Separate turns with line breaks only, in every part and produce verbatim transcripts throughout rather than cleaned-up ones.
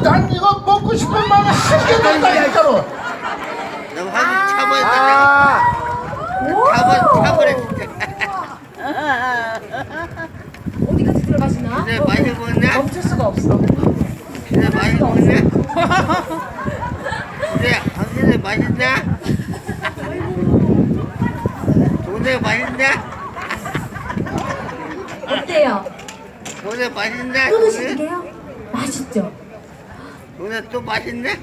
난 이거 먹고 싶은 마음이 한개도 없다니까로.
너무 한번 참아야 참아 참으래.
어디까지 들어가시나?
근데 많이 먹었냐?
멈출 수가 없어.
근데 많이 먹었냐? 근데 당신이 맛있냐? 동네 맛있냐?
어때요?
동네 맛있냐?
또
동네?
드시게요? 맛있죠?
동네 또 맛있냐?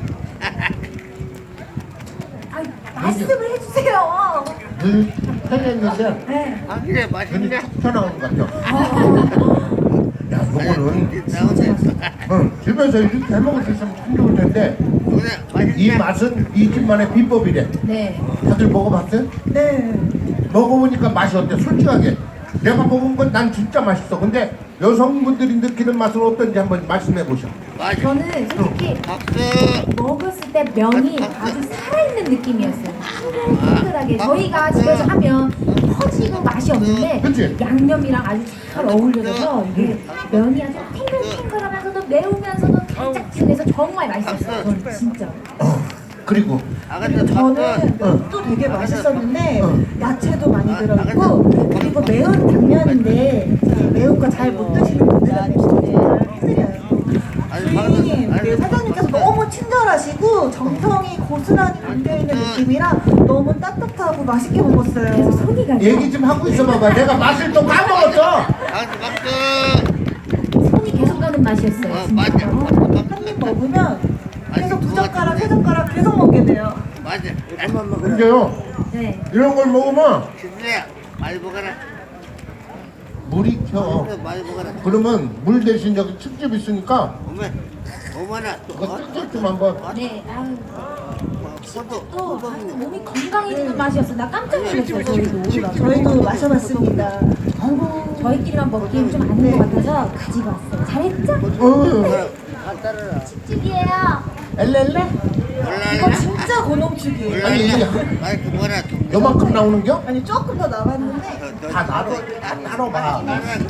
아, 말씀을 해주세요.
늘 해냈는데
네.
당신이
눈이
맛있냐?
툭 튀어나오는 것 같아.
아,
야, 요거는
나오네.
응, 집에서 이렇게 해먹을 수 있으면 참 좋을 텐데
동네
이
맛있냐?
맛은 이 집만의 비법이래.
네.
다들 먹어봤어요?
네.
먹어보니까 맛이 어때? 솔직하게 내가 먹은 건 난 진짜 맛있어. 근데 여성분들이 느끼는 맛은 어떤지 한번 말씀해 보셔.
맛있.
저는 솔직히
박수.
먹었을 때 면이 아주 살아있는 느낌이었어요. 탱글탱글하게. 저희가 집에서 하면 퍼지고 맛이 없는데
그치?
양념이랑 아주 잘 어울려져서 이게 면이 아주 탱글탱글하면서도 매우면서도 달짝지근해서 정말 맛있었어요. 저는 진짜.
어, 그리고
아가씨
저는
박수.
면도 되게 맛있었는데
어.
야채도 많이 들어있고 그리고 매운 당면인데 이제 매운 거 잘 못 드시는 분들은 힘들어요.
아니
주인님,
아니,
네, 사장님께서 너무 친절하시고 정성이 고스란히 담겨있는 느낌이라 너무 따뜻하고 맛있게
그래서
먹었어요.
손이 가죠.
얘기 좀 하고 있어 봐봐. 내가 맛을 또 까먹었어.
박수 박수.
손이 계속 가는 맛이었어요.
어,
진짜.
맞아.
한 입 먹으면 계속 두 젓가락, 세 젓가락 계속 먹게 돼요.
맞아.
근데요,
네.
이런 걸 먹으면
진짜 많이 먹어라.
물이 켜.
많이 먹어라.
그러면 물 대신 여기 칡즙 있으니까
어머, 어머나.
그거 칡즙 좀 한번.
네. 아유.
소도
또 아주 몸이 건강해지는 맛이었어. 나 깜짝 놀랐어요. 저희도.
저희도 마셔봤습니다.
아이고, 저희끼리만 먹기엔 좀 아닌 것 같아서 가지고 왔어요. 잘했죠?
어,
찝찝이에요.
엘렐레?
이거 진짜 고농축이에요.
아니, 이게
아니 그 뭐라.
요만큼 나오는겨?
아니 조금 더 남았는데
다 나눠, 다 나눠봐.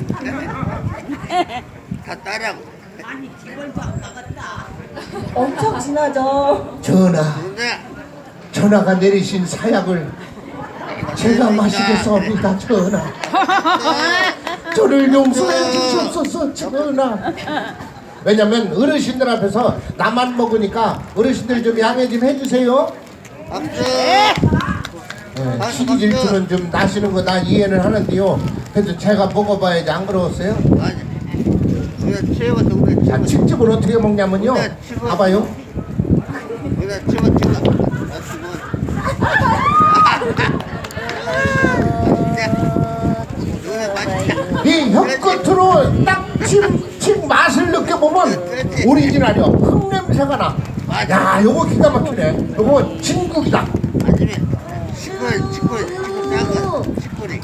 다 따라고.
엄청 진하죠.
전하,
근데
전하가 내리신 사약을 제가 마시겠사옵니다, 전하. 저를 용서해 주시옵소서, 전하. 왜냐면 어르신들 앞에서 나만 먹으니까 어르신들 좀 양해 좀 해주세요.
박수.
네, 시기 질투는 좀 나시는 거 나 이해는 하는데요. 그래도 제가 먹어봐야지 안 그러웠어요?
맞아. 우리가 최고 동네
자,
최고.
칡즙은 어떻게 먹냐면요. 봐봐요.
우리가 최고 최고. 나 지금. 누나 맛있다.
이 혀끝으로 딱침침 맛을 느껴보면 오리지널이요. 흙냄새가 나. 야, 요거 기가 막히네. 요거 진국이다.
아니면 치콜 치콜 치콜 작아 치콜이.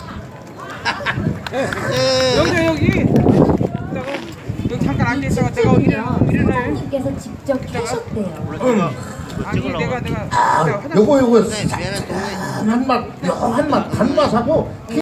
여기 여기 내가 여기 잠깐 앉아 있다가 내가 일어나 일어나요.
사장님께서 직접 캐셨대요.
아니 내가 내가
아, 요거 요거
네, 미안한 동네.
한 맛, 묘한 맛, 단맛하고